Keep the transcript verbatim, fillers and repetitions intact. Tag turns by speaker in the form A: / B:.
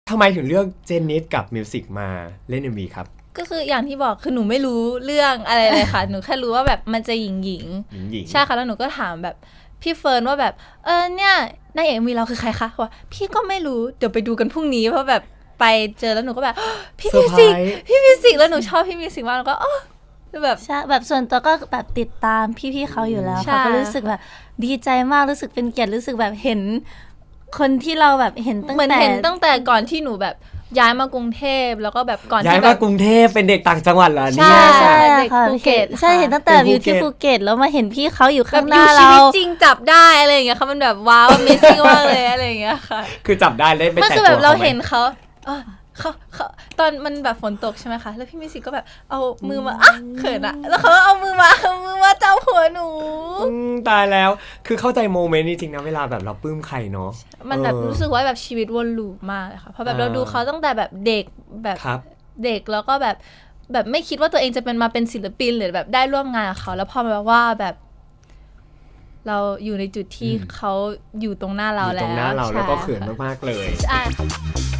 A: ทำไมถึงเลือกเจนนิสกับมิวสิกมาเล่น เอ็ม วี ครับ
B: ก็คืออย่างที่บอกคือหนูไม่รู้เรื่องอะไรเลยค่ะ หนูแค่รู้ว่าแบบมันจะหญิงหญิง
A: หญิง
B: ใช่ค่ะแล้วหนูก็ถามแบบพี่เฟิร์นว่าแบบเออเนี่ยนายเอกมีเราคือใครคะว่าพี่ก็ไม่รู้เดี๋ยวไปดูกันพรุ่งนี้เพราะแบบไปเจอแล้วหนูก็แบบพี่มิวสิกพี่มิวสิกแล้วหนูชอบพี่มิวสิกมากแล้วก็อ๋อแบบ
C: ใช่แบบส่วนตัวก็แบบติดตามพี่ๆเขาอยู่แล้วเขาก็รู้สึกแบบดีใจมากรู้สึกเป็นเกียรติรู้สึกแบบเห็นคนที่เราแบบเห็นตั้งแต่
B: เหมือนเห็นตั้งแต่ก่อนที่หนูแบบย้ายมากรุงเทพแล้วก็แบบก่อน
A: ย้าย
B: ที่แบ
A: มา
B: บ
A: กรุงเทพเป็นเด็กต่างจังหวัดเหรอเนี่
B: ใช่
A: ย
B: ใช่
C: ใช่
B: เด็ก
C: ค่ะ
B: ภูเก็ต
C: ใช่เห็นตั้งแต่อยู่ที่ภูเก็ตแล้วมาเห็นพี่เขาอยู่ข้างหน้า
B: แบบอยู่ชี
C: เรา
B: วิตจริงจับได้อะไรอย่างเงี้ยค่ะมันแบบว้าว Amazing มากเลยอะไรอย่างเงี้ยค่ะ
A: คือจับได้ได้ไป
B: มัน
A: แต่
B: คือ
A: ตั
B: แบ
A: ว
B: บเรา
A: เขาไหม
B: เห็นเขาเออเขาเขาตอนมันแบบฝนตกใช่ไหมคะแล้วพี่มิวสิกก็แบบเอามือมาอ่ะเขินอะแล้วเขาก็เอามือมาเอามือมาจับหัวหนู
A: อืมตายแล้วคือเข้าใจโมเมนต์นี้จริงนะเวลาแบบเราปลื้มใครเนาะ
B: มันแบบ
A: เออ
B: รู้สึกว่าแบบชีวิตวนลูปมากเลยค่ะเพราะแบบ
A: อ่า
B: เราดูเขาตั้งแต่แบบเด็กแบบ
A: ครับ
B: เด็กแล้วก็แบบแบบไม่คิดว่าตัวเองจะเป็นมาเป็นศิลปินหรือแบบได้ร่วมงานกับเขาแล้วพอมาว่าแบบเราอยู่ในจุดที่เขาอยู่ตรงหน้าเรา
A: อยู่
B: แล้ว
A: ตรงหน้าเราแล้วก็เขิน
B: ใช่ค่ะ
A: มากๆเลย
B: ใช่ค่ะ